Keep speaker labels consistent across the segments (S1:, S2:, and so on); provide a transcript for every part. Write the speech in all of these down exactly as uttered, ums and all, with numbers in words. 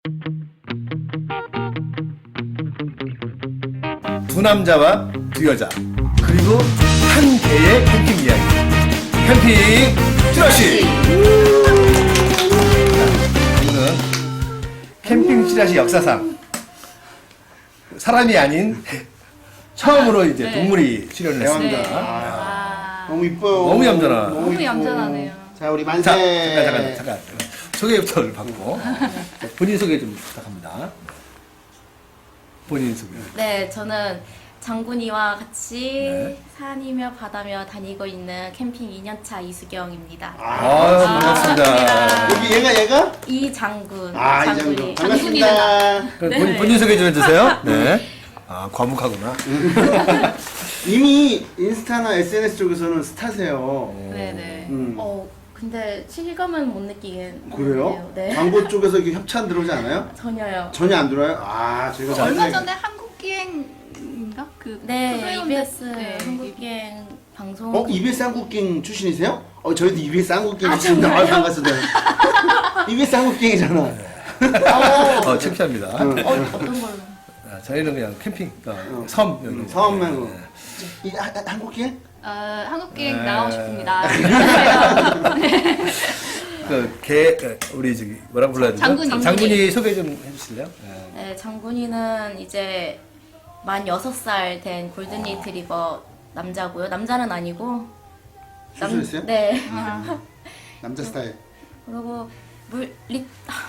S1: 두 남자와 두 여자 그리고 한 개의 캠핑 이야기 캠핑 찌라시. 오늘은 캠핑 찌라시 역사상 사람이 아닌 처음으로 이제
S2: 네.
S1: 동물이 출연을 했습니다.
S2: 네.
S3: 아, 너무 이뻐요.
S1: 너무 얌전하.
S2: 너무
S3: 이뻐.
S2: 얌전하네요.
S3: 자, 우리 만세.
S1: 자, 잠깐 잠깐 잠깐 소개부터 받고 자, 본인 소개 좀 부탁합니다. 본인 소개.
S4: 네, 저는 장군이와 같이
S1: 네.
S4: 산이며 바다며 다니고 있는 캠핑 이 년차 이수경입니다.
S1: 아, 반갑습니다.
S3: 여기 얘가 얘가?
S4: 이장군.
S3: 아,
S4: 장군이.
S3: 이장군. 반갑습니다.
S1: 그럼 본인, 본인 소개 좀 해주세요. 네. 아, 과묵하구나.
S3: 이미 인스타나 에스엔에스 쪽에서는 스타세요.
S4: 네네.
S3: 음.
S4: 어, 근데 실감은 못 느끼겠네요.
S3: 그래요?
S4: 네.
S3: 광고 쪽에서 이렇게 협찬 들어오지 않아요?
S4: 전혀요.
S3: 전혀 안 들어요? 아, 저희가
S2: 얼마
S3: 완전히-
S2: 전에 한국기행인가? 그
S4: 네,
S2: 프로그램
S4: 이비에스
S2: 네,
S4: 한국기행 방송.
S3: 어, 이비에스 한국갱 출신이세요? 어, 저희도 이비에스 한국갱
S4: 아,
S3: 출신인데, 아,
S4: 정말요?
S3: 반갑습니다. 이비에스 한국갱이잖아.
S4: 어,
S1: 어, 창피합니다.
S3: 응.
S4: 어, 어떤 걸로?
S1: 아, 저희는 그냥 캠핑, 어, 섬. 여기.
S3: 음, 섬하고.
S1: 네.
S3: 이 하- 하- 한국갱?
S2: 어, 한국기행
S1: 네.
S2: 나오고 싶습니다.
S1: 그, 개, 그, 우리 저기, 뭐라고 불러야 되죠?
S2: 장군이.
S1: 장군이 소개 좀 해주실래요? 네.
S4: 네, 장군이는 이제 만 여섯 살 된 골든 리트리버 남자고요. 남자는 아니고.
S3: 수술했어요?
S4: 네.
S3: 남자 스타일.
S4: 그리고 물 리,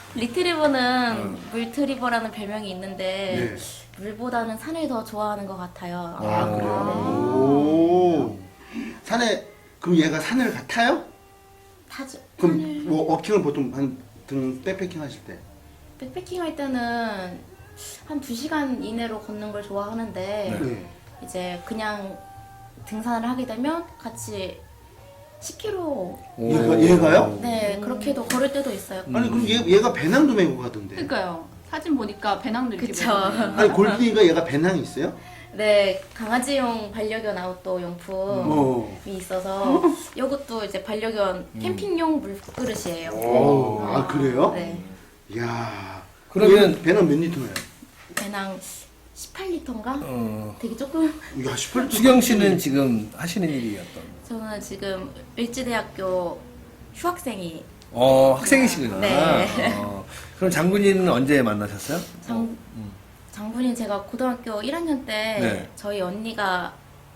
S4: 리트리버는 물트리버라는 별명이 있는데
S3: 네.
S4: 물보다는 산을 더 좋아하는 것 같아요.
S3: 아,
S1: 오.
S3: 그래요? 오. 산에, 그럼 얘가 산을 가- 타요?
S4: 타죠.
S3: 그럼
S4: 산을
S3: 뭐 워킹을 보통 한 등 백패킹 하실 때?
S4: 백패킹 할 때는 한 두 시간 이내로 걷는 걸 좋아하는데
S3: 네.
S4: 이제 그냥 등산을 하게 되면 같이 십 킬로미터
S3: 얘가- 얘가요?
S4: 네 그렇게도 걸을 때도 있어요.
S3: 아니 그럼 얘, 얘가 배낭도 메고 가던데.
S2: 그러니까요. 사진 보니까 배낭도 이렇게
S4: 그쵸.
S2: 메고.
S3: 아니 골든이가 얘가 배낭이 있어요?
S4: 네 강아지용 반려견 아웃도어 용품이
S3: 어.
S4: 있어서 이것도 이제 반려견 캠핑용 물그릇이에요.
S3: 오, 아 그래요?
S4: 네
S3: 이야.
S1: 그러면-
S3: 얘는 배낭 몇 리터예요?
S4: 배낭 십팔 리터인가?
S1: 어,
S4: 되게 조금.
S3: 야 십팔 리터.
S1: 수경 씨는 지금 하시는 일이 어떤?
S4: 저는 지금 을지대학교 휴학생이
S1: 어, 학생이시구나.
S4: 네.
S1: 어, 그럼 장군이는 언제 만나셨어요?
S4: 장,
S1: 음.
S4: 장군이 제가 고등학교 일 학년 때
S1: 네.
S4: 저희 언니가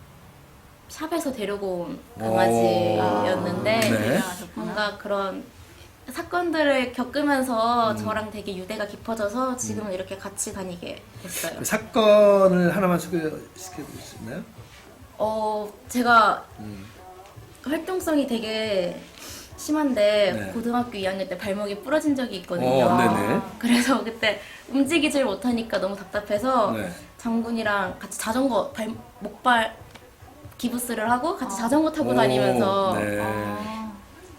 S4: 샵에서 데리고 온
S1: 오.
S4: 강아지였는데
S1: 네.
S4: 뭔가 그런 사건들을 겪으면서
S1: 음.
S4: 저랑 되게 유대가 깊어져서 지금은 이렇게 같이 다니게 됐어요.
S1: 그 사건을 하나만 소개시켜 줄 수 있나요?
S4: 어, 제가
S1: 음.
S4: 활동성이 되게 심한데
S1: 네.
S4: 고등학교 이 학년 때 발목이 부러진 적이 있거든요.
S1: 어, 네네.
S4: 그래서 그때 움직이질 못하니까 너무 답답해서
S1: 네.
S4: 장군이랑 같이 자전거 발 목발 기부스를 하고 같이
S2: 아.
S4: 자전거 타고
S1: 오,
S4: 다니면서
S1: 네.
S2: 아,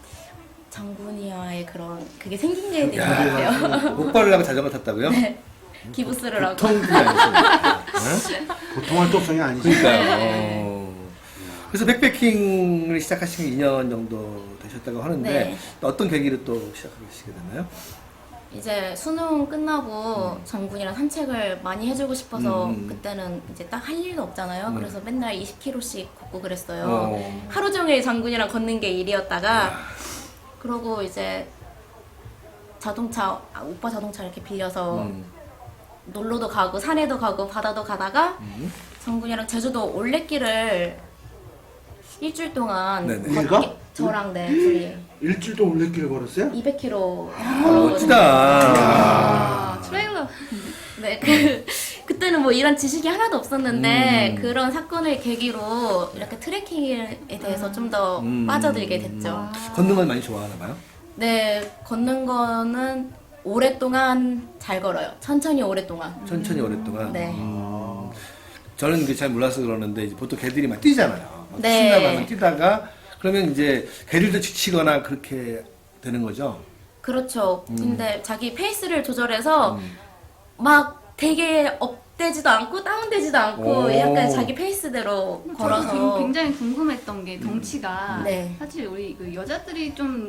S4: 장군이와의 그런 그게 생긴 게 있는 것
S1: 야.
S4: 같아요.
S1: 목발을 하고 자전거 탔다고요?
S4: 네. 기부스를 하고.
S1: 보통 분이 아니시죠.
S3: 보통 활동성이 아니지.
S1: 그러니까요.
S4: 네.
S1: 어. 그래서 백패킹을 시작하신 게 이 년 정도 되셨다고 하는데
S4: 네.
S1: 또 어떤 계기로 또 시작하시게 됐나요?
S4: 이제 수능 끝나고 장군이랑 산책을 많이 해주고 싶어서
S1: 음.
S4: 그때는 이제 딱 할 일도 없잖아요.
S1: 음.
S4: 그래서 맨날 이십 킬로미터씩 걷고 그랬어요.
S1: 어.
S4: 하루 종일 장군이랑 걷는 게 일이었다가 그러고 이제 자동차 아, 오빠 자동차 이렇게 빌려서
S1: 음.
S4: 놀러도 가고 산에도 가고 바다도 가다가
S1: 음.
S4: 장군이랑 제주도 올레길을 일주일 동안
S1: 네네.
S4: 걷게-
S3: 얘가?
S4: 저랑 네 둘이
S3: 일주일 동안 올레길 걸었어요?
S4: 이백 킬로미터
S1: 아, 멋지다.
S2: 아, 트레일러.
S4: 네, 그, 그때는 뭐 이런 지식이 하나도 없었는데
S1: 음.
S4: 그런 사건을 계기로 이렇게 트레킹에 대해서 좀 더
S1: 음.
S4: 빠져들게 됐죠.
S1: 걷는 건 많이 좋아하나 봐요?
S4: 네, 걷는 거는 오랫동안 잘 걸어요. 천천히 오랫동안.
S1: 천천히 오랫동안.
S4: 네.
S1: 음. 저는 이게 잘 몰라서 그러는데 이제 보통 개들이 막 뛰잖아요. 막
S4: 네.
S1: 신나면 뛰다가 그러면 이제 개들도 지치거나 그렇게 되는 거죠.
S4: 그렇죠.
S1: 음.
S4: 근데 자기 페이스를 조절해서
S1: 음.
S4: 막 되게 업되지도 않고 다운되지도 않고
S1: 오.
S4: 약간 자기 페이스대로
S2: 저도
S4: 걸어서
S2: 지금 굉장히 궁금했던 게 덩치가
S4: 네.
S2: 사실 우리 그 여자들이 좀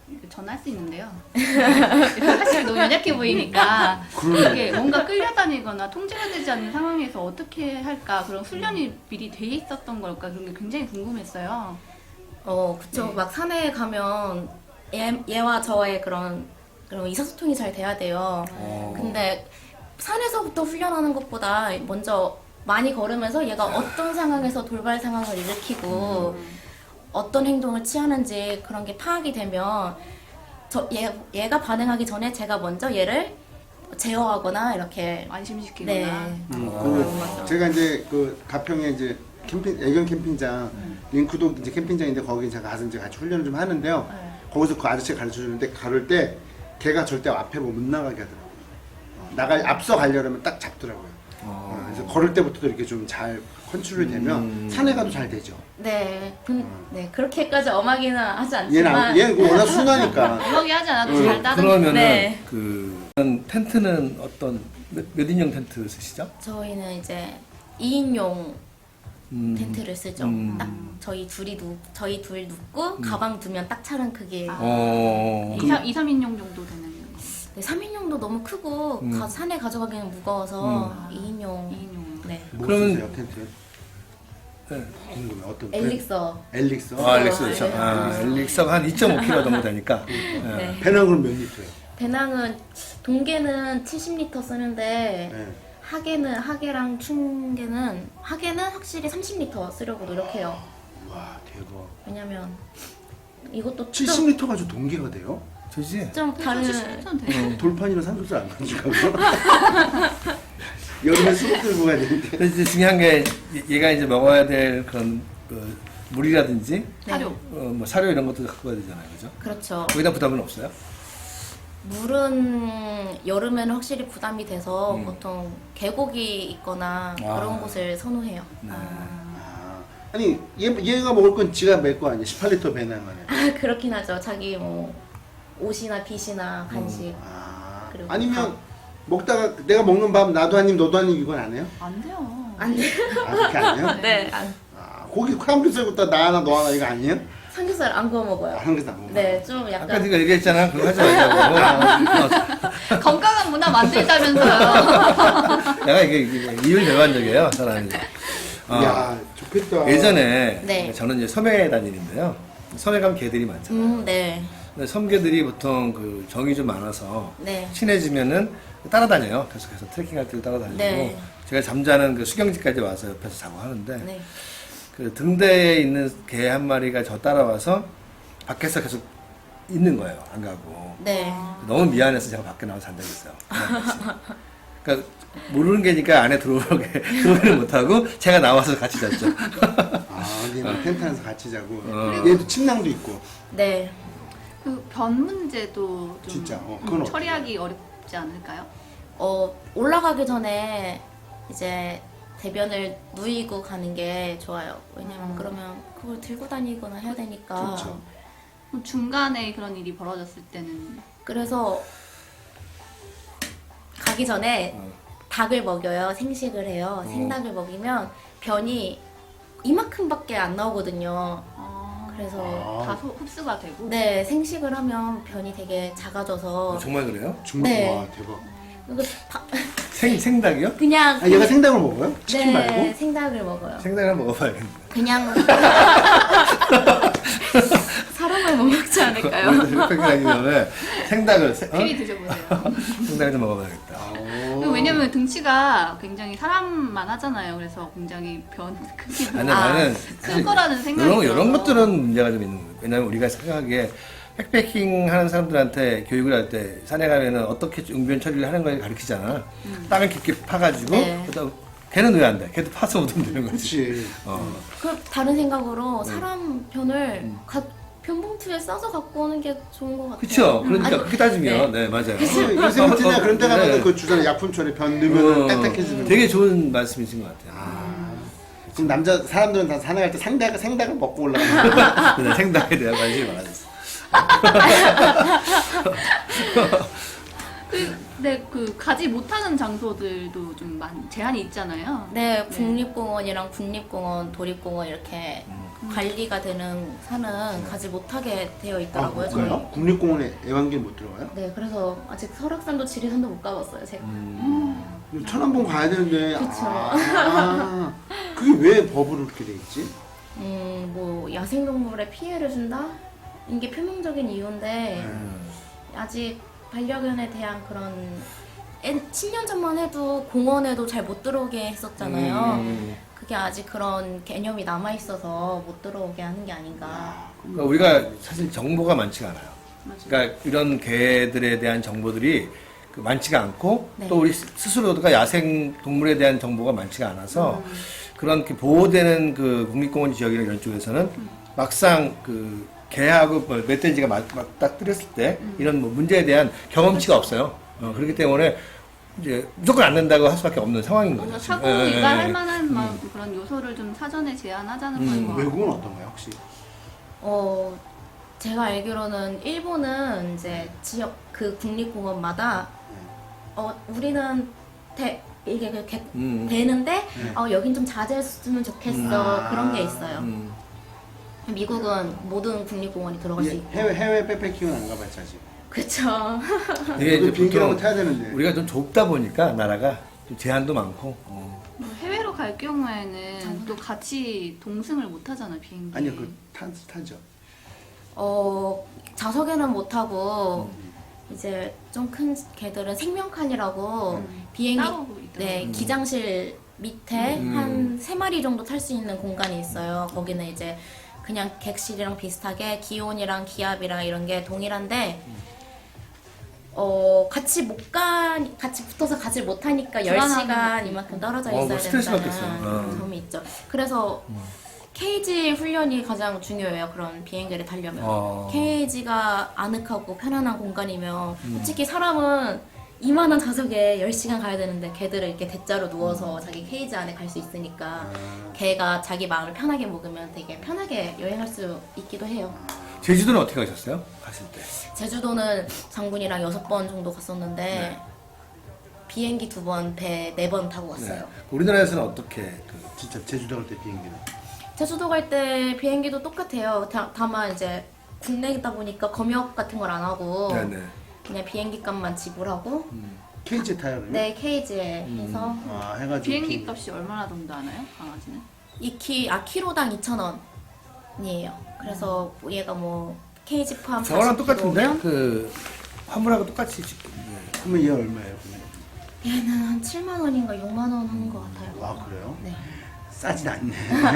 S2: 전할 수 있는데요. 사실 너무 연약해 보이니까 이게 뭔가 끌려다니거나 통제가 되지 않는 상황에서 어떻게 할까 그런 훈련이 미리 돼 있었던 걸까 그런 게 굉장히 궁금했어요.
S4: 어, 그쵸.
S2: 네.
S4: 막 산에 가면 얘, 얘와 저의 그런, 그런 의사소통이 잘 돼야 돼요.
S1: 어.
S4: 근데 산에서부터 훈련하는 것보다 먼저 많이 걸으면서 얘가 어떤 상황에서 돌발 상황을 일으키고 어떤 행동을 취하는지 그런 게 파악이 되면 저, 얘, 얘가 반응하기 전에 제가 먼저 얘를 제어하거나 이렇게
S2: 안심시키거나.
S4: 네.
S3: 음,
S1: 아,
S3: 그
S4: 맞아.
S3: 제가 이제 그 가평에 이제 캠핑 애견 캠핑장 링크도 이제 캠핑장인데 거기 제가 가서 이제 같이 훈련을 좀 하는데요.
S2: 네.
S3: 거기서 그 아저씨가 가르쳐 주는데 가를 때 걔가 절대 앞에 뭐 못 나가게 하더라고요. 어, 나가 앞서 가려면 딱 잡더라고요. 어, 그래서 걸을 때부터도 이렇게 좀 잘 컨트롤이 되면
S1: 음.
S3: 산에 가도 잘 되죠.
S4: 네, 그, 네 그렇게까지 엄하기는 하지
S3: 얘는
S4: 않지만
S3: 안- 얘는 워낙 순하니까.
S2: 음악이 하지 않아도
S3: 음,
S2: 잘 따르는.
S1: 그러면은
S4: 네.
S1: 그 텐트는 어떤 몇, 몇 인용 텐트 쓰시죠?
S4: 저희는 이제 이 인용
S1: 음.
S4: 텐트를 쓰죠.
S1: 음.
S4: 딱 저희 둘이 누 저희 둘 눕고 가방 두면 딱 차는 그게
S2: 아.
S1: 어.
S2: 이, 삼, 이, 삼 인용 정도 되는 거.
S4: 네, 삼 인용도 너무 크고
S1: 음.
S4: 가, 산에 가져가기는 무거워서
S2: 음.
S4: 이 인용.
S2: 이 인용.
S4: 네.
S3: 뭐
S1: 그러면-
S3: 쓰세요 텐트?
S1: 네.
S3: 궁금해 어떤
S4: 엘릭서.
S3: 브랜드? 엘릭서.
S1: 아, 엘릭서 그렇죠.
S4: 네.
S1: 아, 엘릭서가 한 이 점 오 킬로그램 정도 되니까.
S4: 네.
S3: 배낭은 몇 리터예요?
S4: 배낭은 동계는 칠십 리터 쓰는데
S3: 네.
S4: 하계는 하계랑 충계는 하계는 확실히 삼십 리터 쓰려고 노력해요.
S3: 와 대박.
S4: 왜냐면 이것도
S3: 칠십 리터 가지고 동기가 돼요?
S1: 저지?
S4: 좀 다른
S2: 칠십천 돼.
S3: 돌판이랑 삼겹살 안 가져가고 여름에 수박 들고 가야 되는데.
S1: 근데 이제 중요한 게 얘- 얘가 이제 먹어야 될 그런 그 물이라든지
S2: 사료.
S1: 어, 뭐 사료 이런 것도 갖고 가야 되잖아요, 그죠?
S4: 그렇죠.
S1: 거기다 부담은 없어요?
S4: 물은 여름에는 확실히 부담이 돼서
S1: 음.
S4: 보통 계곡이 있거나
S1: 아.
S4: 그런 곳을 선호해요.
S1: 네.
S3: 아, 아니 얘, 얘가 먹을 건 지가 멜 거 아니야? 십팔 리터 배낭 안에.
S4: 아, 그렇긴 하죠. 자기 뭐 옷이나 빗이나 간식.
S3: 아,
S4: 그리고
S3: 아니면 먹다가 내가 먹는 밥 나도 한 입 너도 한 입 이건 안 해요?
S2: 안 돼요.
S4: 안 돼.
S3: 아 그렇게 안 해요?
S4: 네, 안,
S3: 아, 고기 삼겹살부터 나 하나 너 하나 이거 아니에요?
S4: 삼겹살 안 구워
S3: 아,
S4: 먹어요.
S3: 삼겹살 안 먹어.
S4: 네, 좀
S1: 아까
S4: 약간
S1: 네가 얘기했잖아. 그거 하지 말자고.
S2: 건강한 문화 만들자면서요.
S1: 어, 내가 이게, 이게 이율배반적이에요, 사람이. 어,
S3: 야 좋겠다.
S1: 예전에
S4: 네.
S1: 저는 이제 섬에 다니는데요. 섬에 가면 개들이 많잖아요.
S4: 음, 네.
S1: 근데 섬개들이 보통 그 정이 좀 많아서
S4: 네.
S1: 친해지면은 따라다녀요. 계속해서 트레킹할 때도 따라다니고
S4: 네.
S1: 제가 잠자는 그 수경지까지 와서 옆에서 자고 하는데
S4: 네.
S1: 그 등대에 있는 개 한 마리가 저 따라와서 밖에서 계속 있는 거예요. 안 가고.
S4: 네.
S1: 너무 미안해서 제가 밖에 나와서 잔 적이 있어요. 그러니까 모르는 개니까 안에 들어오게 들어오지는 못하고 제가 나와서 같이 잤죠.
S3: 아 얘는 텐트 안에서 같이 자고.
S1: 어.
S3: 얘도 침낭도 있고.
S4: 네.
S2: 그 변 문제도 좀
S3: 진짜? 어, 그건
S2: 음,
S3: 어때요?
S2: 처리하기 어렵지 않을까요?
S4: 어, 올라가기 전에 이제 대변을 누이고 가는 게 좋아요. 왜냐면
S2: 음.
S4: 그러면 그걸 들고 다니거나 해야 되니까.
S3: 그렇죠.
S2: 그럼 중간에 그런 일이 벌어졌을 때는
S4: 그래서 가기 전에
S1: 어.
S4: 닭을 먹여요. 생식을 해요. 생닭을 먹이면 변이 이만큼밖에 안 나오거든요.
S2: 어,
S4: 그래서
S3: 아.
S2: 다 소- 흡수가 되고
S4: 네, 생식을 하면 변이 되게 작아져서
S1: 어, 정말 그래요?
S3: 정말
S4: 네.
S3: 와 대박.
S4: 이거 다-
S1: 생 생닭이요?
S4: 그냥
S3: 아 얘가 생닭을 먹어요? 치킨
S4: 네,
S3: 말고?
S4: 생닭을 먹어요.
S1: 생닭을 한번 먹어봐야겠네.
S4: 그냥 사람을 못 먹지 않을까요?
S1: 흑백이 다니면 생닭을 세- 어?
S2: 필히 드셔보세요.
S1: 생닭을 좀 먹어봐야겠다.
S2: 그리고 왜냐면 등치가 굉장히 사람만 하잖아요. 그래서 굉장히 변 크기도
S1: 아니
S4: 아,
S1: 나는
S2: 클 거라는 생각이
S1: 이런 이런
S2: 들어서.
S1: 것들은 문제가 좀 있는 거예요. 왜냐면 우리가 생각하기에 백패킹 하는 사람들한테 교육을 할 때 산에 가면은 어떻게 응변 처리를 하는 걸 가르치잖아. 땅을 깊게 파가지고
S4: 네.
S1: 그다음 걔는 왜 안 돼? 걔도 파서 오면 되는 거지.
S3: 그렇지.
S1: 어.
S4: 그 다른 생각으로 사람 변을 가, 변봉투에 싸서 갖고 오는 게 좋은 것 같아요.
S1: 그쵸. 그러니까
S4: 아니,
S1: 그렇게 따지면 네, 맞아요.
S3: 요새 요새는 그런 데 가면
S1: 네.
S3: 그 주변에 약품처리 변 넣으면
S1: 어,
S3: 딱딱해지는.
S1: 되게 좋은 말씀이신 것 같아요.
S3: 아, 지금 남자 사람들은 다 산에 갈 때 생닭 생닭을 먹고 올라가는.
S1: 근데 생닭에 대한 관심이 많아졌어.
S2: 그, 네, 그 가지 못하는 장소들도 좀 많, 제한이 있잖아요.
S4: 네, 국립공원이랑 국립공원, 도립공원 이렇게 관리가 되는 산은 가지 못하게 되어
S3: 아,
S4: 있더라고요.
S3: 못
S4: 저는.
S3: 가요? 국립공원에 애완견 못 들어가요?
S4: 네, 그래서 아직 설악산도 지리산도 못 가봤어요. 제가.
S3: 천안봉 가야 되는데.
S4: 그쵸.
S3: 아, 그게 왜 법으로 그렇게 돼 있지?
S4: 음, 뭐 야생동물에 피해를 준다? 이게 표면적인 이유인데 아직 반려견에 대한 그런 십 년 전만 해도 공원에도 잘 못 들어오게 했었잖아요.
S1: 음.
S4: 그게 아직 그런 개념이 남아 있어서 못 들어오게 하는 게 아닌가.
S1: 그러니까 우리가 사실 정보가 많지가 않아요.
S2: 맞아요.
S1: 그러니까 이런 개들에 대한 정보들이 그 많지가 않고
S4: 네.
S1: 또 우리 스스로가 야생 동물에 대한 정보가 많지가 않아서
S2: 음.
S1: 그런 그 보호되는 그 국립공원 지역이나 이런 쪽에서는 막상 그 개하고 뭐 멧돼지가 막, 맞닥뜨렸을 때
S2: 음.
S1: 이런 뭐 문제에 대한 경험치가 없어요. 어, 그렇기 때문에 이제 무조건 안 된다고 할 수밖에 없는 상황인 거죠.
S2: 뭔가
S1: 지금.
S2: 사고
S1: 예, 예,
S2: 유발할
S1: 예.
S2: 만한 막 그런 요소를 좀 사전에 제한하자는 거인 것 같아요.
S3: 외국은 어떤가요, 혹시?
S4: 어, 제가 알기로는 일본은 이제 지역 그 국립공원마다 어, 우리는 대, 이게 그렇게
S1: 음.
S4: 되는데 어, 여긴 좀 자제했으면 좋겠어.
S3: 음.
S4: 그런 게 있어요.
S1: 음.
S4: 미국은 모든 국립공원이 들어갈 수
S3: 예,
S4: 있고.
S3: 해외 해외 백패킹은 안 가봤죠 아직.
S4: 그쵸.
S1: 이게 이제
S3: 비행기라고
S1: 보통
S3: 타야 되는데.
S1: 우리가 좀 좁다 보니까 나라가 좀 제한도 많고 어.
S2: 뭐 해외로 갈 경우에는 또 같이 동승을 못 하잖아요, 비행기.
S3: 아니요, 그 타, 타죠.
S4: 어, 좌석에는 못하고 이제 좀 큰 개들은 생명칸이라고
S2: 음.
S4: 비행기
S2: 따로 있더라고요.
S4: 네,
S1: 음.
S4: 기장실 밑에
S1: 음.
S4: 한 세 마리 정도 탈 수 있는 공간이 있어요. 거기는 이제 그냥 객실이랑 비슷하게 기온이랑 기압이랑 이런 게 동일한데 어 같이 못 가, 같이 붙어서 가지 못하니까 열
S2: 불안함이
S4: 시간
S2: 있고.
S4: 이만큼 떨어져
S1: 어, 뭐
S4: 있어야
S1: 스트레스
S4: 된다는
S1: 받겠어요. 어.
S4: 점이 있죠. 그래서 케이지 훈련이 가장 중요해요. 그런 비행기를 타려면.
S1: 어.
S4: 케이지가 아늑하고 편안한 공간이면 솔직히 사람은 이만한 좌석에 열 시간 가야 되는데 개들은 이렇게 대자로 누워서 자기 케이지 안에 갈 수 있으니까 개가 자기 마음을 편하게 먹으면 되게 편하게 여행할 수 있기도 해요.
S1: 제주도는 어떻게 가셨어요? 갔을 때.
S4: 제주도는 장군이랑 여섯 번 정도 갔었는데
S1: 네.
S4: 비행기 두 번, 배 네 번 타고 갔어요.
S1: 네. 우리나라에서는 어떻게 그
S3: 진짜 제주도 갈 때 비행기는.
S4: 제주도 갈 때 비행기도 똑같아요. 다, 다만 이제 국내이다 보니까 검역 같은 걸 안 하고
S1: 네네.
S4: 그냥 비행기 값만 지불하고
S3: 케이지 타요 그러면?
S4: 내 케이지에 해서
S3: 아 해가지고
S2: 비행기
S3: 비행기.
S2: 값이 얼마나 정도 하나요, 강아지는?
S4: 이 키, 아 키로당 이천 원이에요. 그래서 얘가 뭐 케이지 포함
S1: 저거랑
S4: 사십 킬로그램?
S1: 똑같은데? 그 화물하고 똑같이 지금. 네.
S3: 그러면 얘 얼마예요? 그러면?
S4: 얘는 한 칠만 원인가 육만 원 하는 것 같아요.
S3: 아 그래요?
S4: 네.
S3: 싸진 않네.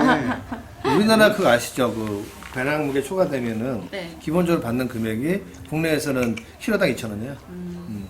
S1: 우리나라 그거 아시죠? 그 배낭 무게 초과되면은
S2: 네.
S1: 기본적으로 받는 금액이 국내에서는 키로당 이천 원이에요. 음.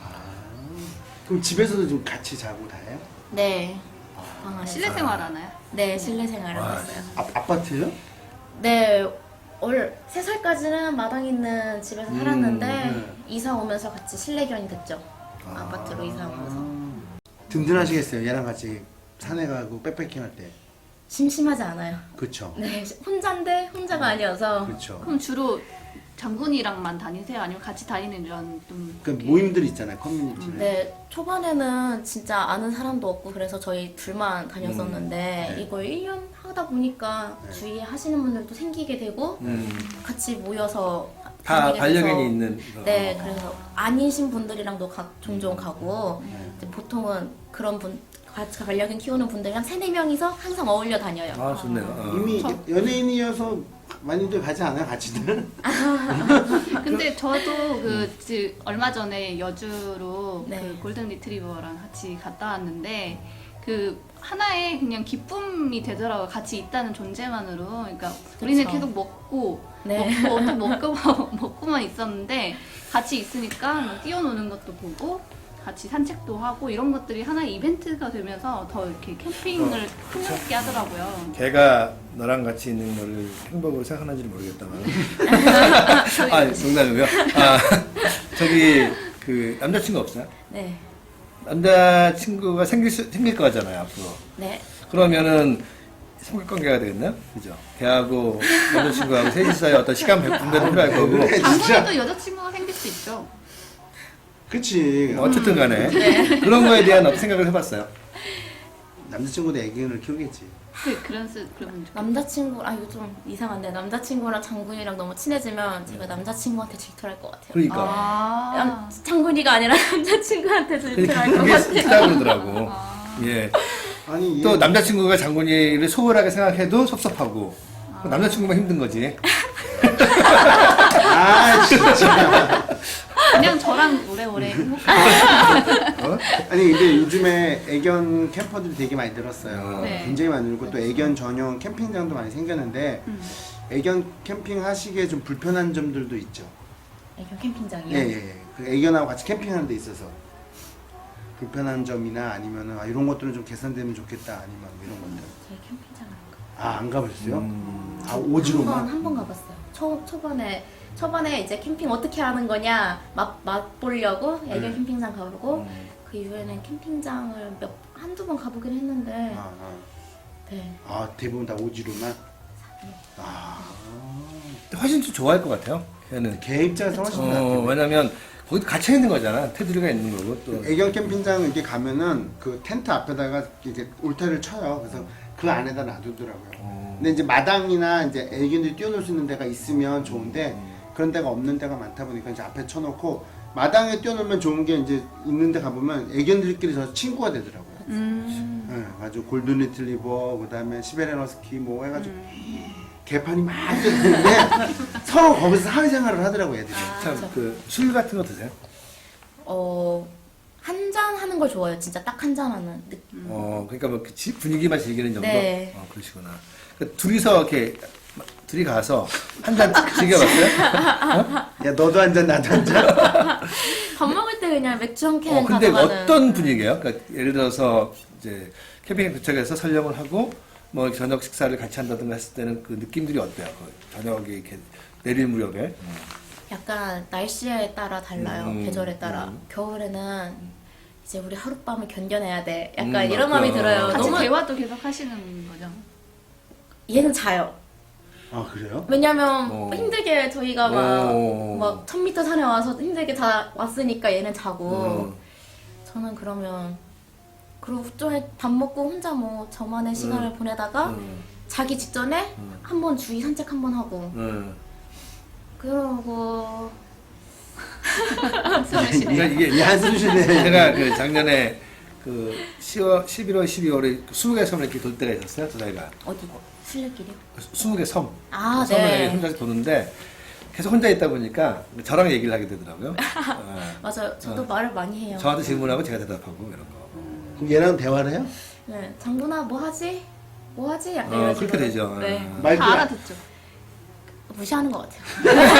S3: 그럼 집에서도 좀 같이 자고 다 해요?
S4: 네. 방 안에서.
S2: 실내 생활 하나요?
S4: 네, 실내 생활을
S1: 와.
S4: 했어요.
S3: 아, 아파트요?
S4: 네, 올 세 살까지는 마당 있는 집에서 살았는데
S3: 네.
S4: 이사 오면서 같이 실내견이 됐죠. 아. 파트로 이사 오면서.
S3: 든든하시겠어요. 얘랑 같이 산에 가고 백패킹 할 때.
S4: 심심하지 않아요.
S3: 그렇죠.
S4: 네, 혼자인데 혼자가 아니어서.
S3: 그렇죠.
S2: 그럼 주로 장군이랑만 다니세요? 아니면 같이 다니는 이런 좀
S3: 그 모임들 있잖아요. 커뮤니티는.
S4: 네, 초반에는 진짜 아는 사람도 없고 그래서 저희 둘만 다녔었는데
S3: 음, 네.
S4: 이걸 일 년 하다 보니까
S3: 네.
S4: 주위에 하시는 분들도 생기게 되고
S1: 음.
S4: 같이 모여서
S1: 다
S4: 다니게
S1: 반려견이
S4: 돼서
S1: 있는. 거.
S4: 네, 그래서 아니신 분들이랑도 가, 종종 가고
S3: 네.
S4: 이제 보통은 그런 분 같이 반려견 키우는 분들이랑 세네 명이서 항상 어울려 다녀요.
S1: 아 좋네요. 어.
S3: 이미 연예인이어서 많이들 가지 않아요, 같이들?
S2: 근데 저도 그 지- 얼마 전에 여주로
S4: 네.
S2: 그 골든 리트리버랑 같이 갔다 왔는데 그 하나의 그냥 기쁨이 되더라고요. 같이 있다는 존재만으로. 그러니까 우리는
S4: 그쵸.
S2: 계속 먹고
S4: 네.
S2: 먹고 또 먹고 먹고만 있었는데 같이 있으니까 뭐 뛰어노는 것도 보고 같이 산책도 하고 이런 것들이 하나의 이벤트가 되면서 더 이렇게 캠핑을 흥미롭게 하더라고요.
S1: 걔가 너랑 같이 있는 거를 행복으로 생각하는지는 모르겠다만. 아, 농담이고요. 아, 저기 그 남자친구 없어요?
S4: 네.
S1: 남자친구가 생길 수, 생길 거잖아요 앞으로.
S4: 네.
S1: 그러면은 삼각관계가 되겠네요, 그죠? 걔하고 남자친구하고 셋이 사이 어떤 시간 분배도 필요할 거고.
S3: 그래, 진짜.
S2: 장군에도 여자친구가 생길 수 있죠.
S3: 그치.
S1: 뭐 어쨌든 간에
S4: 네.
S1: 그런 거에 대한 어떤 생각을 해봤어요.
S3: 남자친구도 애견을 키우겠지.
S2: 그 그런 스 그러면 좋-
S4: 남자친구 아 이거 좀 이상한데 남자친구랑 장군이랑 너무 친해지면 제가 남자친구한테 질투할 것 같아요.
S1: 그러니까
S2: 아.
S4: 남, 장군이가 아니라 남자친구한테 질투할 것
S1: 그게
S4: 같아요.
S1: 있다 그러더라고. 예.
S3: 아니
S1: 또
S3: 얘-
S1: 남자친구가 장군이를 소홀하게 생각해도 섭섭하고 남자친구만 힘든 거지.
S3: 아 진짜.
S2: 그냥 저랑 오래오래 행복한
S1: 어?
S3: 아니 근데 요즘에 애견 캠퍼들이 되게 많이 늘었어요.
S2: 네.
S3: 굉장히 많이 늘고 또 애견 전용 캠핑장도 많이 생겼는데
S2: 음.
S3: 애견 캠핑 하시기에 좀 불편한 점들도 있죠.
S4: 애견 캠핑장이요?
S3: 예예. 예. 그 애견하고 같이 캠핑하는 데 있어서 불편한 점이나 아니면은 아, 이런 것들은 좀 개선되면 좋겠다 아니면 뭐 이런 것들.
S4: 제 캠핑장 안 가.
S3: 아 안 가보셨어요?
S1: 음.
S3: 아
S4: 한번
S3: 오지로만.
S4: 한 번 가봤어요. 초 초반에 초반에 이제 캠핑 어떻게 하는 거냐 맛 맛보려고 애견
S3: 네.
S4: 캠핑장 가보고
S1: 음.
S4: 그 이후에는 캠핑장을 몇 한두 번 가보긴 했는데
S3: 아, 아.
S4: 네.
S3: 아 대부분 다 오지로만. 아
S1: 훨씬 좀 좋아할 것 같아요. 걔는.
S3: 개 입장에서 훨씬
S1: 어,
S3: 낫겠네.
S1: 왜냐면 거기 갇혀 있는 거잖아. 테두리가 있는 거고 또.
S3: 애견 캠핑장 이렇게 가면은 그 텐트 앞에다가 이렇게 울타리를 쳐요. 그래서 그 안에다 놔두더라고요.
S1: 어.
S3: 근데 이제 마당이나 이제 애견들이 뛰어놀 수 있는 데가 있으면 좋은데 그런 데가 없는 데가 많다 보니까 이제 앞에 쳐놓고 마당에 뛰어놀면 좋은 게 이제 있는 데 가보면 애견들끼리 저 친구가 되더라고요.
S2: 음.
S3: 네, 아주 골든 리트리버, 그 다음에 시베리안 허스키 뭐 해가지고 개판이 많이 되는데 서로 거기서 사회생활을 하더라고요, 애들이.
S1: 참 그 술 같은 거 드세요?
S4: 어, 한 잔 하는 걸 좋아해요. 진짜 딱 한 잔 하는 느낌.
S1: 어, 그러니까 뭐그 지- 분위기만 즐기는 정도.
S4: 네.
S1: 어, 그러시구나. 그 둘이서 이렇게 둘이 가서 한 잔 즐겨봤어요?
S3: 야 너도 한 잔 나도 한 잔.
S4: 밥 먹을 때 그냥 맥주 한 캔
S1: 어, 근데
S4: 가져가는.
S1: 어떤 분위기예요? 그러니까 예를 들어서 이제 캠핑에 도착해서 설명을 하고 뭐 저녁 식사를 같이 한다든가 했을 때는 그 느낌들이 어때요? 그 저녁에 이렇게 내릴 무렵에.
S4: 약간 날씨에 따라 달라요.
S1: 음,
S4: 계절에 따라.
S1: 음.
S4: 겨울에는 이제 우리 하룻밤을 견뎌내야 돼. 약간
S1: 음,
S4: 이런 마음이
S1: 맞다.
S4: 들어요.
S2: 같이
S4: 너무
S2: 대화도 계속 하시는 거죠.
S4: 얘는 자요.
S3: 아 그래요?
S4: 왜냐면
S1: 어.
S4: 힘들게 저희가
S1: 어.
S4: 막막 천 미터 산에 와서 힘들게 다 왔으니까 얘는 자고
S1: 음.
S4: 저는 그러면 그리고 좀 밥 먹고 혼자 뭐 저만의 시간을 보내다가
S1: 음.
S4: 자기 직전에
S1: 음.
S4: 한 번 주위 산책 한 번 하고
S1: 음.
S4: 그러고
S2: 한숨을 쉬네요.
S1: 그러니까 이게
S3: 이 한숨 쉬네.
S1: 제가 그 작년에 그 시월, 십일월, 십이월에 스무 개 섬을 이렇게 돌 때가 있었어요, 두 달간.
S4: 어디 술래길이요?
S1: 스무 개 섬.
S4: 아,
S1: 섬을
S4: 네.
S1: 혼자서 도는데 계속 혼자 있다 보니까 저랑 얘기를 하게 되더라고요. 어.
S4: 맞아요. 저도
S1: 어.
S4: 말을 많이 해요.
S1: 저한테 질문하고 제가 대답하고 이런 거.
S3: 그럼 얘랑 대화를 해요?
S4: 네, 장군아 뭐 하지? 뭐 하지? 약간
S1: 어,
S4: 이런
S1: 그렇게
S4: 식으로.
S1: 되죠.
S4: 네,
S1: 어.
S3: 말도
S2: 다 알아듣죠.
S4: 무시하는 것 같아요.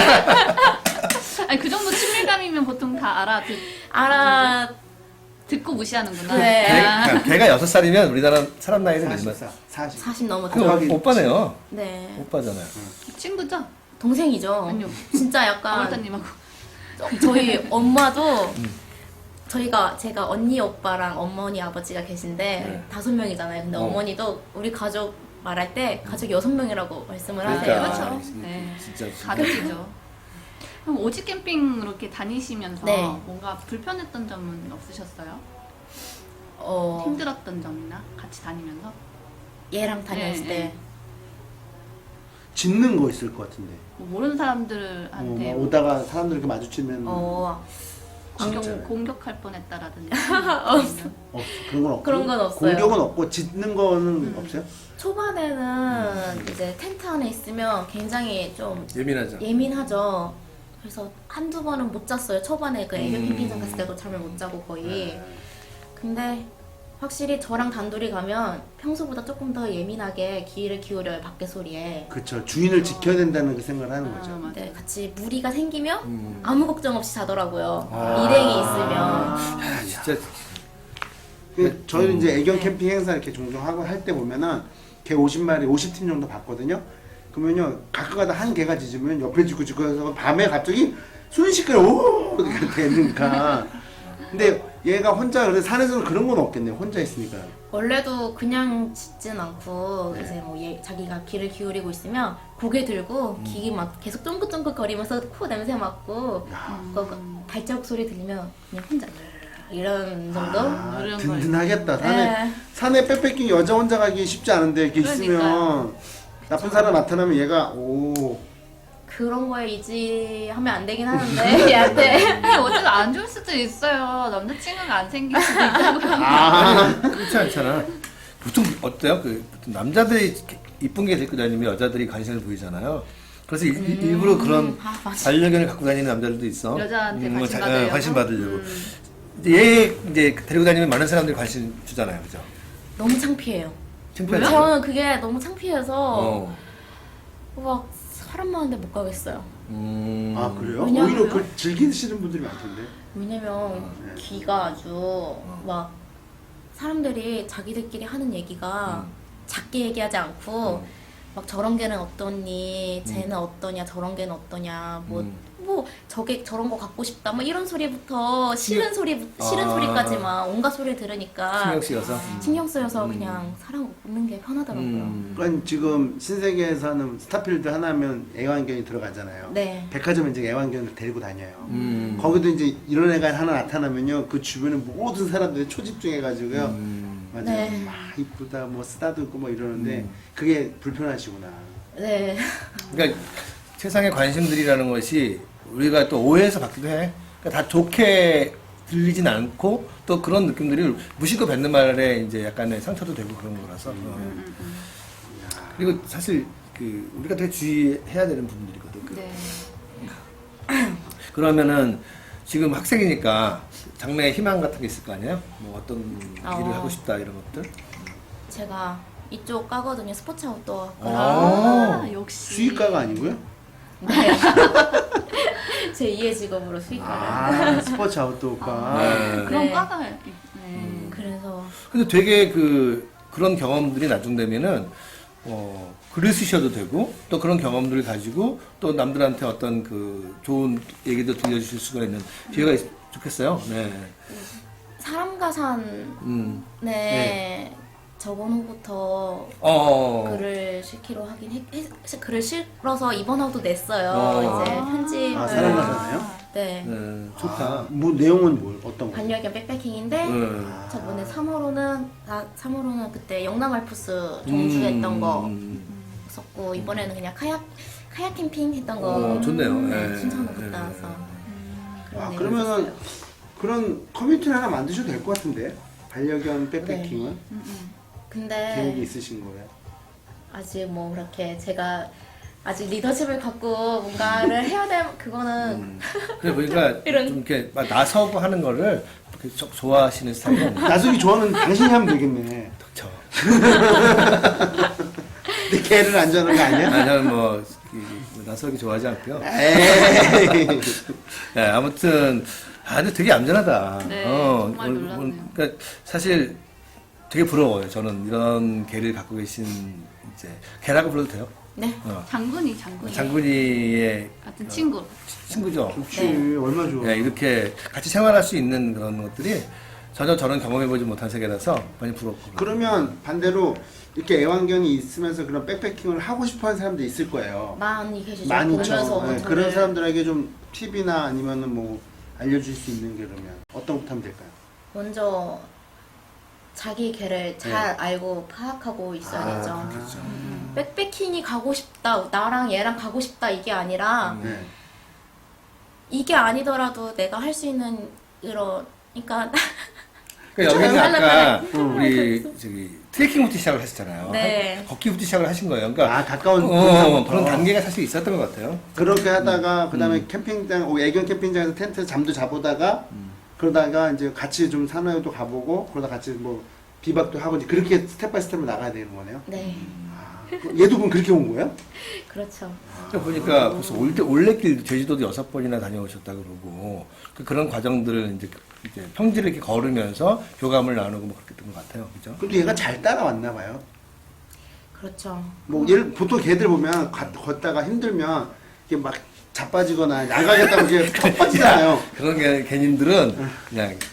S2: 아니 그 정도 친밀감이면 보통 다 알아듣
S4: 알아.
S2: 듣고 무시하는구나.
S4: 네.
S1: 걔, 그러니까 걔가 여섯 살이면 우리나라 사람 나이는 몇이면
S3: 사십사, 사십.
S4: 사십 넘었죠.
S1: 그 오- 오빠네요.
S4: 네,
S1: 오빠잖아요.
S2: 친구죠?
S4: 동생이죠.
S2: 아니요.
S4: 진짜 약간
S2: 아무렇다님하고.
S4: 저희 엄마도 저희가 제가 언니 오빠랑 어머니 아버지가 계신데
S1: 네.
S4: 다섯 명이잖아요. 근데
S1: 어.
S4: 어. 머니도 우리 가족 말할 때 가족이 여섯 명이라고 말씀을
S1: 그러니까.
S4: 하세요.
S2: 그렇죠.
S1: 아,
S2: 네.
S1: 진짜, 진짜.
S2: 가르치죠. 그럼 오지 캠핑 이렇게 다니시면서
S4: 네.
S2: 뭔가 불편했던 점은 없으셨어요?
S4: 어,
S2: 힘들었던 점이나 같이 다니면서?
S4: 얘랑 다녔을
S2: 네,
S4: 때
S2: 네.
S3: 짖는 거 있을 것 같은데.
S2: 뭐 모르는
S3: 어,
S2: 사람들한테
S3: 막 오다가 사람들 이렇게 마주치면
S4: 어,
S2: 공격,
S3: 진짜요?
S2: 공격할 뻔했다라든지
S3: 없어. 그런 건 없고.
S4: 그런 건 없어요.
S3: 공격은 없고 짖는 거는 없어요?
S4: 초반에는 이제 텐트 안에 있으면 굉장히 좀
S1: 예민하죠.
S4: 예민하죠. 그래서 한두 번은 못 잤어요. 초반에 그 애견
S1: 음.
S4: 캠핑장 갔을 때도 잠을 못 자고 거의. 근데 확실히 저랑 단둘이 가면 평소보다 조금 더 예민하게 귀를 기울여요. 밖에 소리에.
S3: 그쵸. 주인을 지켜야 된다는 그 생각을 하는
S2: 아,
S3: 거죠.
S2: 맞아요.
S4: 근데 같이 무리가 생기면
S1: 음.
S4: 아무 걱정 없이 자더라고요.
S1: 아.
S4: 일행이 있으면.
S1: 야, 진짜.
S3: 그 저희는 이제 애견
S4: 네.
S3: 캠핑 행사 이렇게 종종 하고 할 때 보면은 개 오십 마리, 오십 팀 정도 봤거든요. 그러면요 가끔가다 한 개가 짖으면 옆에 짖고 짖고 해서 밤에 갑자기 순식간에 오 이렇게 되니까 근데 얘가 혼자 그래 산에서는 그런 건 없겠네요. 혼자 있으니까.
S4: 원래도 그냥 짖진 않고
S3: 네.
S4: 이제 뭐 얘, 자기가 귀를 기울이고 있으면 고개 들고
S3: 음.
S4: 귀 막 계속 쫑긋쫑긋 거리면서 코 냄새 맡고 그 발자국 소리 들리면 그냥 혼자 이런 정도?
S3: 아,
S2: 그런
S3: 든든하겠다. 산에
S4: 네.
S3: 산에 백패킹 여자 혼자 가기 쉽지 않은데 이렇게
S2: 그러니까요.
S3: 있으면 나쁜 사람 나타나면 얘가 오.
S4: 그런 거에 의지하면 안 되긴 하는데 얘한테
S2: 어차피 안 좋을 수도 있어요. 남자친구가 안 생길 수도 있다고.
S3: 아.
S1: 그렇지 않잖아. 보통 어때요? 그 보통 남자들이 이쁜 게 데리고 다니면 여자들이 관심을 보이잖아요. 그래서 일,
S2: 음.
S1: 일부러 그런
S4: 아, 맞아.
S1: 반려견을 갖고 다니는 남자들도 있어.
S2: 여자한테
S1: 뭐
S2: 관심
S1: 자-
S2: 받으려고?
S1: 어, 관심 받으려고.
S2: 음.
S1: 이제 얘 이제 데리고 다니면 많은 사람들이 관심 주잖아요, 그죠?
S4: 너무 창피해요.
S1: 창피하죠?
S4: 저는 그게 너무 창피해서
S1: 어.
S4: 막 사람 많은데 못 가겠어요.
S1: 음.
S3: 아 그래요?
S4: 왜냐면-
S3: 오히려 그 즐기시는 분들이 많던데.
S4: 왜냐면
S3: 네.
S4: 귀가 아주 막 사람들이 자기들끼리 하는 얘기가 작게 얘기하지 않고
S1: 음.
S4: 막 저런 개는 어떠니, 쟤는 어떠냐, 저런 개는 어떠냐, 뭐,
S1: 음.
S4: 뭐 저게 저런 거 갖고 싶다, 뭐 이런 소리부터 싫은 소리, 싫은
S1: 아.
S4: 소리까지 막 온갖 소리를 들으니까
S1: 신경 쓰여서.
S4: 신경 쓰여서
S1: 음.
S4: 그냥 사람 없는 게 편하더라고요.
S1: 음.
S3: 그러니까 지금 신세계에서 하는 스타필드 하나면 애완견이 들어가잖아요.
S4: 네.
S3: 백화점에 이제 애완견을 데리고 다녀요.
S1: 음.
S3: 거기도 이제 이런 애가 하나 나타나면요, 그 주변에 모든 사람들이 초집중해가지고요.
S1: 음.
S3: 맞아요.
S4: 네.
S3: 막 이쁘다, 뭐 쓰다듬고 뭐 이러는데
S1: 음.
S3: 그게 불편하시구나.
S4: 네.
S1: 그러니까 세상의 관심들이라는 것이 우리가 또 오해해서 받기도 해. 그러니까 다 좋게 들리진 않고 또 그런 느낌들이 무심코 뱉는 말에 이제 약간의 상처도 되고 그런 거라서. 어.
S2: 음, 음.
S1: 그리고 사실 그 우리가 되게 주의해야 되는 부분들이거든. 그
S2: 네.
S1: 그러면은 지금 학생이니까 장래에 희망 같은 게 있을 거 아니에요? 뭐 어떤
S4: 어.
S1: 일을 하고 싶다 이런 것들?
S4: 제가 이쪽 과거든요. 스포츠 아웃도어.
S1: 아.
S2: 아, 역시.
S3: 수의과가 아니고요?
S4: 네. 제 이의 직업으로 수의과를.
S3: 아, 스포츠 아웃도어과.
S1: 네.
S2: 그런
S4: 네.
S2: 과가. 네.
S4: 그래서
S1: 근데 되게 그 그런 경험들이 나중되면은 어 글을 쓰셔도 되고 또 그런 경험들을 가지고 또 남들한테 어떤 그 좋은 얘기도 들려주실 수가 있는 기회가 있, 좋겠어요. 네.
S4: 사람과 산에
S1: 음. 네.
S4: 저번 후부터
S1: 어.
S4: 글을 실기로 하긴 했, 했- 글을 실어서 이번 화도 냈어요.
S1: 어.
S4: 이제
S2: 아.
S4: 편집을.
S3: 아, 사람과 사나요?
S4: 네.
S1: 네. 좋다.
S3: 아, 뭐 내용은 뭘 어떤 거?
S4: 반려견 백패킹인데
S1: 네.
S4: 저번에 삼 호로는 아, 삼 호로는 그때 영남 알프스 종주했던
S1: 음.
S4: 거
S1: 음.
S4: 썼고 이번에는 그냥 카약 카약 캠핑 했던 거.
S1: 어, 좋네요.
S4: 네,
S1: 네.
S4: 춘천으로
S1: 네.
S4: 갔다 와서. 그런
S3: 아,
S4: 내용을
S3: 그러면은
S4: 썼어요.
S3: 그런 커뮤니티를 하나 만드셔도 될 것 같은데? 반려견 백패킹은?
S2: 음, 음.
S4: 근데
S3: 계획이 있으신 거예요?
S4: 아직 뭐 그렇게 제가 아직 리더십을 갖고 뭔가를 해야 될 그거는
S1: 음. 그래 보니까
S4: 이런-
S1: 좀 이렇게 막 나서고 하는 거를 그렇게 저- 좋아하시는 스타일이 아니에요.
S3: 나중에 좋아하는 당신이 하면 되겠네.
S1: 그렇죠.
S3: 근데 걔를 안 좋아하는 거 아니야?
S1: 아, 저는 뭐, 그, 나서기 좋아하지 않고요.
S3: 에이.
S1: 네, 아무튼, 아, 근데 되게 얌전하다.
S2: 네, 정말
S1: 오늘-
S2: 놀랐네요.
S1: 오늘- 그러니까 사실 되게 부러워요. 저는 이런 개를 갖고 계신, 이제, 개라고 불러도 돼요?
S4: 네.
S1: 어.
S2: 장군이 장군이.
S1: 장군이의
S2: 같은 친구.
S1: 친구죠.
S3: 좋지.
S4: 네.
S3: 얼마 좋아.
S1: 네, 이렇게 같이 생활할 수 있는 그런 것들이 전혀 저는 경험해보지 못한 세계라서 많이 부럽고.
S3: 그러면 반대로 이렇게 애완견이 있으면서 그런 백패킹을 하고 싶어 하는 사람도 있을 거예요.
S4: 많이 계시죠.
S3: 많이
S4: 보면서
S3: 있죠. 네,
S4: 저를-
S3: 그런 사람들에게 좀 팁이나 아니면은 뭐 알려줄 수 있는 게 그러면 어떤 것부터 하면 될까요?
S4: 먼저 자기 개를 잘
S1: 네.
S4: 알고 파악하고 있어야죠.
S1: 아, 그렇죠.
S4: 백패킹이 가고 싶다, 나랑 얘랑 가고 싶다 이게 아니라
S1: 음.
S3: 네.
S4: 이게 아니더라도 내가 할 수 있는 이런 그러니까
S1: 그러니까 여기는
S4: 좀
S1: 아까
S3: 음.
S1: 우리 저기 트레킹부터 시작을 하셨잖아요.
S4: 네.
S1: 걷기부터 시작을 하신 거예요. 그러니까
S3: 아, 가까운
S1: 어,
S3: 곳에서부터.
S1: 그런 단계가 사실 있었던 것 같아요.
S3: 그렇게 하다가
S1: 음.
S3: 그다음에 캠핑장, 어, 애견 캠핑장에서 텐트 잠도 자보다가
S1: 음.
S3: 그러다가 이제 같이 좀 산에도 가보고 그러다 같이 뭐 비박도 하고 이제 그렇게 스텝 바이 스텝으로 나가야 되는 거네요.
S4: 네
S3: 아, 얘도 그럼 그렇게 온 거예요?
S4: 그렇죠.
S1: 그러니까 보니까 벌써 올때 올레길 제주도도 여섯 번이나 다녀오셨다 그러고 그 그런 과정들을 이제, 이제 평지를 이렇게 걸으면서 교감을 나누고 뭐 그렇게 됐던 것 같아요. 그죠?
S3: 근데 얘가 잘 따라왔나 봐요.
S4: 그렇죠.
S3: 뭐 얘를 보통 개들 보면 가- 걷다가 힘들면 이게 막 자빠지거나 나가겠다고 이게 턱 빠지잖아요.
S1: 그런 게 개님들은 그냥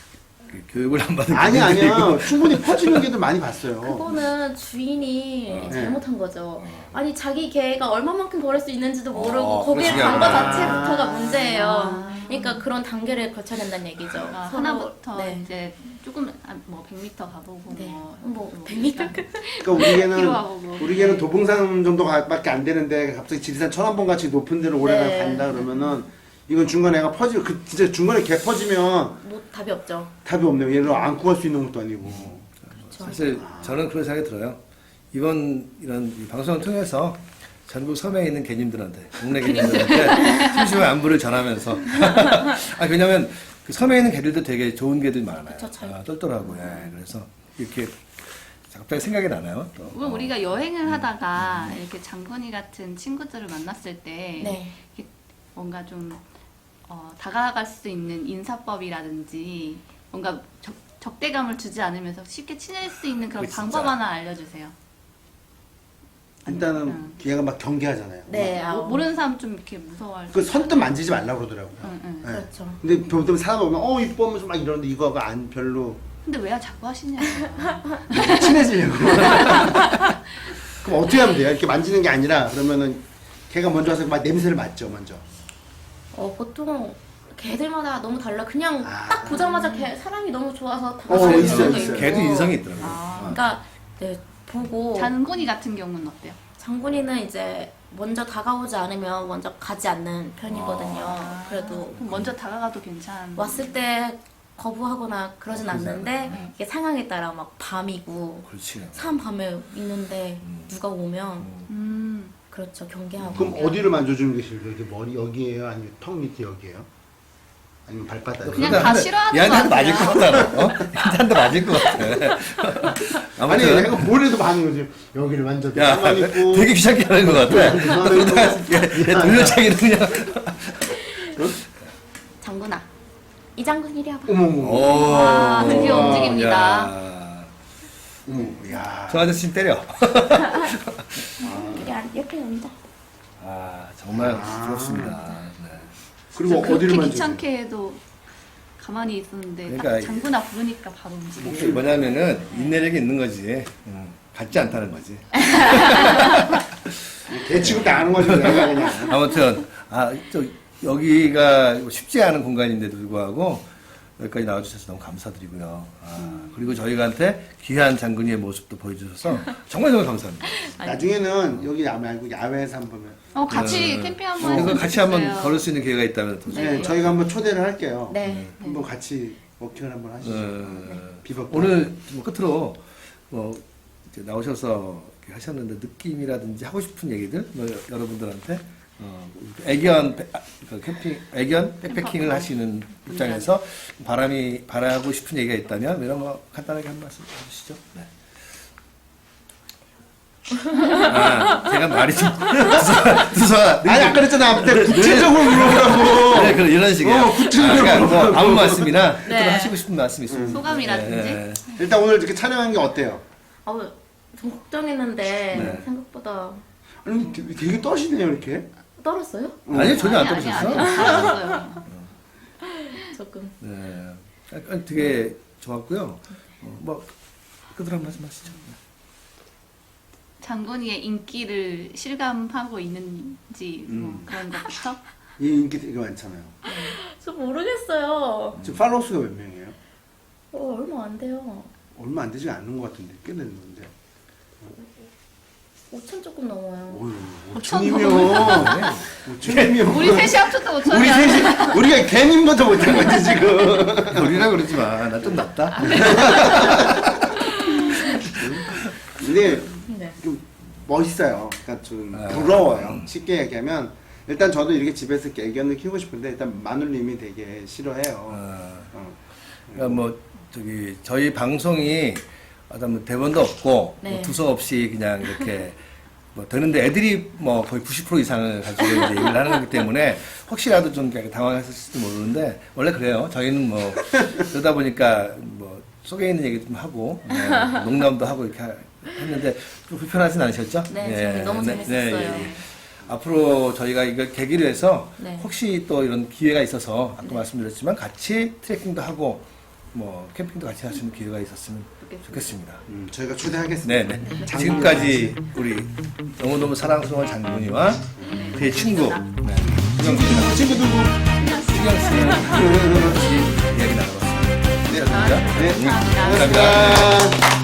S1: 그 교육을 안 받은
S3: 아니
S1: 개들이
S3: 아니야. 충분히 퍼지는 개도 많이 봤어요.
S4: 그거는 주인이
S1: 어.
S4: 잘못한 거죠. 아니 자기 개가 얼마만큼 걸을 수 있는지도 모르고
S1: 어,
S4: 거기에
S1: 그렇지.
S4: 간 거
S1: 아.
S4: 자체부터가 문제예요.
S2: 아.
S4: 그러니까 그런 단계를 거쳐야 된다는 얘기죠.
S2: 아,
S4: 서로-
S2: 하나부터
S4: 네.
S2: 이제 조금 아, 뭐 백 미터 가보고
S4: 네.
S2: 뭐,
S4: 뭐 백 미터
S3: 그러니까 우리 개는
S2: 필요하고.
S3: 우리 개는 도봉산 정도밖에 안 되는데 갑자기 지리산 천안봉 같이 높은 데로 오래
S4: 네.
S3: 간다 그러면은 이건 중간에 애가 퍼지고 그 진짜 중간에 개 퍼지면
S4: 뭐 답이 없죠.
S3: 답이 없네요. 얘를 안고 갈 수 있는 것도 아니고.
S4: 그렇죠.
S1: 사실 저는 그런 생각이 들어요. 이번 이런 이 방송을 통해서 전국 섬에 있는 개님들한테, 동네 개님들한테 심심한 안부를 전하면서 아 왜냐면 그 섬에 있는 개들도 되게 좋은 개들이 많아요.
S4: 그쵸, 잘-
S1: 아, 똘똘하고 예. 그래서 이렇게 갑자기 생각이 나나요? 또.
S2: 물론 우리가 여행을 하다가 이렇게 장군이 같은 친구들을 만났을 때
S4: 네.
S2: 이렇게 뭔가 좀 어, 다가갈 수 있는 인사법이라든지 뭔가 적, 적대감을 주지 않으면서 쉽게 친해질 수 있는 그런
S1: 그게
S2: 방법
S1: 진짜.
S2: 하나 알려주세요.
S3: 일단은
S2: 음.
S3: 걔가 막 경계하잖아요.
S4: 네.
S2: 뭐,
S4: 아우.
S2: 모르는 사람 좀 이렇게 무서워할
S3: 그
S2: 수
S3: 선뜻 만지지 말라고 그러더라고요.
S2: 응, 응.
S3: 네.
S4: 그렇죠.
S3: 근데 보통 사람 보면 어 이뻐 하면서 막 이러는데 이거가 안 별로
S2: 근데 왜 자꾸 하시냐고.
S3: 친해지려고. 그럼 어떻게 하면 돼요? 이렇게 만지는 게 아니라 그러면은 걔가 먼저 와서 막 냄새를 맡죠 먼저.
S4: 어 보통 개들마다 너무 달라. 그냥
S3: 아.
S4: 딱 보자마자 개 사람이 너무 좋아서
S3: 어,
S4: 다가가는
S3: 있어요,
S4: 경우도
S3: 있어요.
S4: 있고.
S1: 개도 인성이 있더라고요.
S2: 아.
S4: 그러니까 네 보고
S2: 장군이 같은 경우는 어때요?
S4: 장군이는 이제 먼저 다가오지 않으면 먼저 가지 않는 편이거든요.
S2: 아.
S4: 그래도
S2: 그럼 먼저 다가가도 괜찮.
S4: 왔을 때 거부하거나 그러진
S1: 그러지
S4: 않는데
S2: 않아요.
S4: 이게 상황에 따라 막 밤이고
S1: 그렇지.
S4: 사람 밤에 있는데 누가 오면
S2: 음.
S4: 그렇죠 경계하고.
S3: 그럼 어디를 만져주는 게 싫어요? 이게 머리 여기에요? 아니면 턱 밑에 여기에요? 아니면 발바닥?
S2: 그냥 다 싫어하는
S1: 얘한테 한
S2: 것
S1: 대 맞을
S2: 같아요.
S1: 것 같다. 어? 얘한테 한 대 맞을 것 같아.
S3: 아니
S1: 아무튼
S3: 내가 뭘 해도 반응 거지. 여기를 만져도
S1: 야,
S3: 가만히 있고.
S1: 되게 귀찮게 하는 것 같아. 얘, 얘 돌려차기는 그냥.
S4: 장군아 이 장군 이리 와봐.
S3: 어머 어머.
S1: 오,
S2: 와, 드디어
S3: 와,
S2: 움직입니다.
S1: 야.
S3: 어머. 야.
S1: 저 아저씨 때려.
S4: 이리 안 옆에 앉아.
S1: 아, 정말
S3: 아.
S1: 부럽습니다. 네.
S3: 그리고
S2: 그렇게
S3: 어디를 만져?
S2: 귀찮게 해도 가만히 있었는데 딱
S1: 그러니까
S2: 장군아 부르니까 바로 움직이고.
S1: 이게 뭐냐면은 인내력이 있는 거지. 음, 같지 않다는 거지.
S3: 개 취급도 안 하는 거지 내가 그냥.
S1: 아무튼 아, 저 여기가 쉽지 않은 공간인데도 불구하고 여기까지 나와주셔서 너무 감사드리고요. 아, 그리고 저희한테 귀한 장군이의 모습도 보여주셔서 정말 정말 감사합니다.
S3: 나중에는 여기 야외 말고 야외에서 한번.
S2: 어 같이
S1: 네.
S2: 캠핑 한번
S1: 그래서
S2: 했으면
S1: 같이 한번
S2: 좋겠어요.
S1: 걸을 수 있는 기회가 있다면 더
S3: 네, 저희가 한번 초대를 할게요.
S4: 네.
S3: 한번 같이 워킹을 한번 하시죠.
S1: 어,
S3: 비법.
S1: 오늘 뭐 끝으로 뭐 이제 나오셔서 이렇게 하셨는데 느낌이라든지 하고 싶은 얘기들 뭐 여- 여러분들한테 어, 애견 배- 아, 그 캠핑 애견 백패킹을 하시는 입장에서 바람이 바라고 싶은 얘기가 있다면 이런 거 간단하게 한 말씀 해주시죠. 네. 아, 제가 말이 좀 두서 두서
S3: 아니 아까 그랬잖아. 내가 구체적으로 물어보라고.
S1: 네, 그런 이런 식이에요.
S3: 어, 구체적으로
S1: 아, 그러니까 뭐
S3: 물어보라고.
S1: 아무 말씀이나
S4: 네.
S1: 또 하시고 싶은 말씀 있으면
S2: 소감이라든지?
S1: 네.
S3: 일단 오늘 이렇게 촬영한 게 어때요?
S4: 아우 좀 걱정했는데
S1: 네.
S4: 생각보다
S3: 아니 되게, 되게 떠시네요 이렇게.
S4: 떨었어요?
S1: 아니 전혀 안
S2: 아니, 아니,
S1: 떨어졌어.
S2: 아니, 잘했어요.
S4: 조금.
S1: 네, 약간 되게 좋았고요. 어, 뭐 끝으로 한 말씀 하시죠.
S2: 장군이의 인기를 실감하고 있는지 뭐
S3: 음.
S2: 그런 것부터.
S3: 이 인기 되게 많잖아요.
S4: 저 모르겠어요.
S3: 지금 팔로우 수가 몇 명이에요?
S4: 어 얼마 안 돼요.
S3: 얼마 안 되지 않는 것 같은데 꽤 됐는데.
S4: 오천 조금 넘어요.
S3: 어휴,
S2: 오천
S3: 오천이면 오천이면
S2: 우리 셋이 합쳐도
S3: 우리
S2: 오천이야.
S3: 셋이 우리가 개님보다 못한 거지 지금.
S1: 우리라 그러지 마. 나 좀 낫다.
S3: 근데
S4: 네.
S3: 좀 멋있어요. 그러니까 좀
S1: 아.
S3: 부러워요. 쉽게 얘기하면 일단 저도 이렇게 집에서 이렇게 애견을 키우고 싶은데 일단 마눌님이 되게 싫어해요.
S1: 어,
S3: 어.
S1: 그러니까 뭐 저기 저희 방송이 어떤 뭐 대본도 없고
S4: 네.
S1: 뭐 두서 없이 그냥 이렇게 뭐 되는데 애들이 뭐 거의 구십 퍼센트 이상을 가지고 이제 얘기를 하는 거기 때문에 혹시라도 좀 약간 당황했을지도 모르는데 원래 그래요. 저희는 뭐 그러다 보니까 뭐 속에 있는 얘기 좀 하고 뭐 농담도 하고 이렇게 하- 했는데 좀 불편하진 않으셨죠?
S4: 네, 저는 너무 재밌었어요.
S1: 앞으로 저희가 이걸 계기로 해서
S4: 네.
S1: 혹시 또 이런 기회가 있어서 아까 말씀드렸지만 같이 트레킹도 하고 뭐 캠핑도 같이 할 수 있는 기회가 있었으면 좋겠습니다.
S3: 음, 저희가 초대하겠습니다.
S1: 네네. 지금까지 우리 너무너무 사랑스러운 장군이와 그의 친구 네. 수경 씨랑
S3: 친구들고
S1: 수경 씨랑 같이 이야기 나눠봤습니다.
S3: 네.
S1: 감사합니다.
S3: 네.
S1: 감사합니다.
S3: 감사합니다.